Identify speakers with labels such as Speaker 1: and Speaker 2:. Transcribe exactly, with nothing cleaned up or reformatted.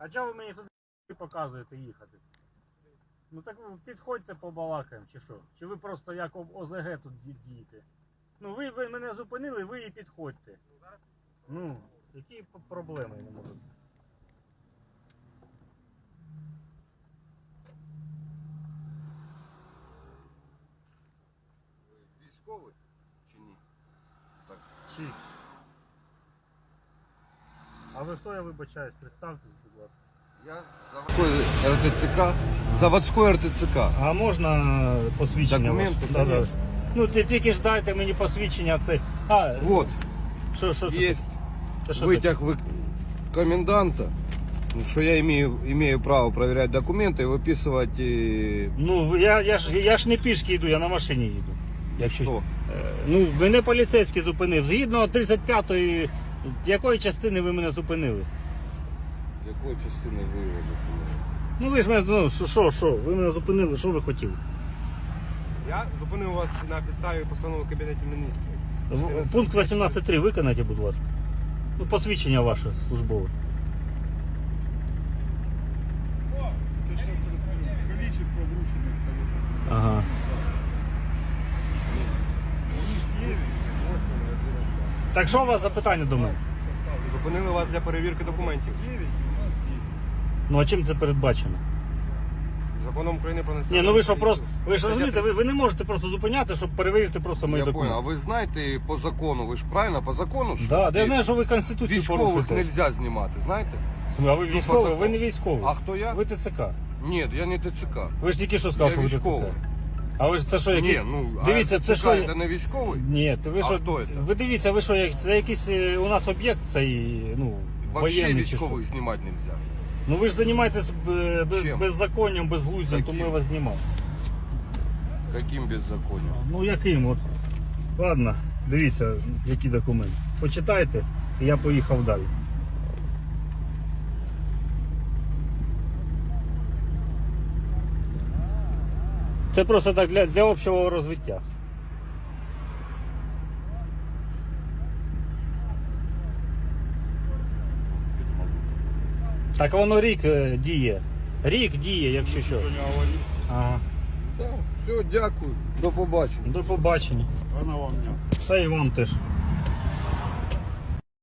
Speaker 1: А чого ви мені туди показуєте їхати? Ну так ви підходьте побалакаємо, чи що? Чи ви просто як об ОЗГ тут дієте? Ну ви, ви мене зупинили, ви і підходьте. Ну, які проблеми не можуть?
Speaker 2: Ви військовий чи ні? Так.
Speaker 1: Чи? А ви хто, я вибачаюсь, представтесь, будь ласка.
Speaker 2: Я заводской РТЦК, заводской РТЦК.
Speaker 1: А можна посвідчення?
Speaker 2: Документи,
Speaker 1: ваше? Да, да.
Speaker 2: конечно.
Speaker 1: Ну ти тільки ж дайте мені посвідчення, це. А,
Speaker 2: Вот,
Speaker 1: що, що це?
Speaker 2: есть
Speaker 1: Це що таке?
Speaker 2: вытяг вы... коменданта, что я имею, имею право проверять документы и выписывать... И...
Speaker 1: Ну, я, я, ж, я ж не пішки йду, я на машині їду. Якщо...
Speaker 2: Що?
Speaker 1: Е, Ну, мене поліцейський зупинив. Згідно тридцять п'ятої, якої частини ви мене зупинили?
Speaker 2: Якої частини ви його зупинили?
Speaker 1: Ну ви ж мене, ну, що, що, що, ви мене зупинили, що ви хотіли?
Speaker 3: Я зупинив вас на підставі постанови Кабінету Міністрів.
Speaker 1: В- Пункт вісімнадцять три виконайте, будь ласка. Ну, посвідчення ваше службове.
Speaker 3: Це зараз розповім. Количество вручених.
Speaker 1: Ага. Так що у вас за питання до мене?
Speaker 3: Зупинили вас для перевірки документів.
Speaker 1: Ну а чим це передбачено?
Speaker 3: Законом України про національну
Speaker 1: Ні, ну ви що
Speaker 3: поліцію.
Speaker 1: просто. Ви ж розумієте, ви, ви не можете просто зупиняти, щоб перевірити просто мої
Speaker 2: Я понял, а
Speaker 1: документи.
Speaker 2: ви знаєте по закону, ви ж правильно по закону? що
Speaker 1: Да, да, я
Speaker 2: є?
Speaker 1: знаю, що ви Конституцію
Speaker 2: Військових
Speaker 1: порушуєте.
Speaker 2: нельзя знімати, знаєте?
Speaker 1: А ви
Speaker 2: по
Speaker 1: військовий,
Speaker 2: закону.
Speaker 1: ви не військовий.
Speaker 2: А хто я?
Speaker 1: Ви ТЦК.
Speaker 2: Ні, я не ТЦК.
Speaker 1: Ви ж тільки що сказали,
Speaker 2: Я
Speaker 1: що ви
Speaker 2: військовий.
Speaker 1: ТЦК. А ви ж це що якісь.
Speaker 2: Ні, ну,
Speaker 1: Дивіться,
Speaker 2: а
Speaker 1: це
Speaker 2: ТЦК
Speaker 1: що.
Speaker 2: це не військовий?
Speaker 1: Ні, то ви
Speaker 2: А
Speaker 1: що.
Speaker 2: хто це?
Speaker 1: Ви дивіться, ви що, як- це якийсь е, у нас об'єкт цей, ну,
Speaker 2: Вообще
Speaker 1: воєнний чи що?
Speaker 2: військових знімати нельзя.
Speaker 1: Ну ви ж займаєтесь е, без,
Speaker 2: Чим?
Speaker 1: беззаконням, безглуздям, то
Speaker 2: Яким?
Speaker 1: ми вас знімали.
Speaker 2: Каким беззаконням?
Speaker 1: Ну яким от. Ладно, дивіться, які документи. Почитайте, і я поїхав далі. Це просто так для, для общого розвиття. Так воно рік е, діє. Рік діє, якщо що. Ага.
Speaker 2: Все, дякую. До побачення.
Speaker 1: До побачення.
Speaker 3: Вона вам не.
Speaker 1: Та й вам теж.